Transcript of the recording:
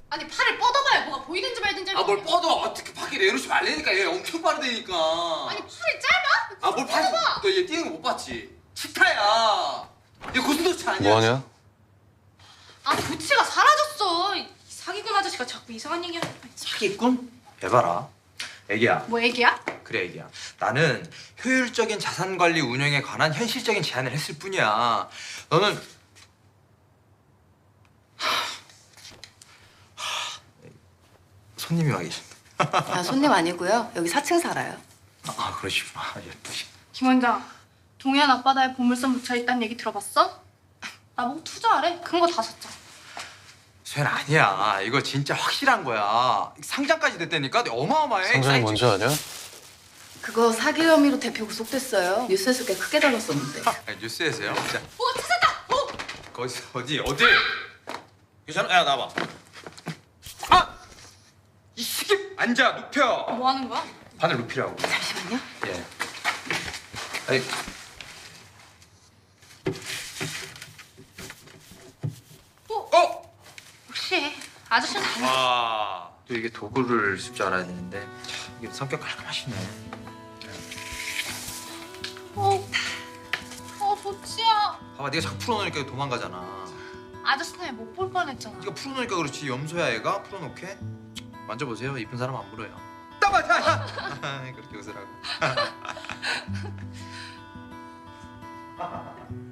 아니 팔을 뻗어봐야 뭐가 보이든지 말든지. 아 뭘 뻗어. 어떻게 밖에 내놓지 말라니까. 얘 엄청 빠르다니까. 아니 팔이 짧아? 아 뭘 봤어? 너얘 뛰는 거 못 봤지? 치타야. 얘 고슴도치 아니야? 뭐하냐? 아 도치가 사라졌어. 이 사기꾼 아저씨가 자꾸 이상한 얘기하는 거야. 사기꾼? 해봐라. 애기야. 뭐 얘기야? 그래 애기야. 나는 효율적인 자산관리 운영에 관한 현실적인 제안을 했을 뿐이야. 너는 손님이 와 계신다. 아, 손님 아니고요. 여기 4층 살아요. 아 그러시구나. 예쁘시. 김 원장, 동해안 앞바다에 보물섬 묻혀있다는 얘기 들어봤어? 나보고 투자하래. 큰 거 다 샀잖아. 쇤 아니야. 이거 진짜 확실한 거야. 상장까지 됐다니까. 어마어마해. 상장이 사이즈. 뭔지 아냐? 그거 사기 혐의로 대표 구속됐어요. 뉴스에서 꽤 크게 다뤘었는데. 아, 뉴스에서요? 자, 찾았다! 거기서 어디? 괜찮아? 야 나와봐. 아! 이 시계 앉아 눕혀. 뭐 하는 거야? 바늘 눕히라고. 잠시만요. 예. 아니. 어? 혹시 아저씨는 안 아, 또 이게 도구를 쓸 줄 알아야 되는데 참, 이게 성격 깔끔하시네. 도치야. 봐봐, 네가 자꾸 풀어놓으니까 도망가잖아. 아저씨는 못 볼 뻔했잖아. 네가 풀어놓으니까 그렇지. 염소야 얘가 풀어놓게. 만져보세요. 이쁜 사람 안 물어요. 따마자. 그렇게 웃으라고.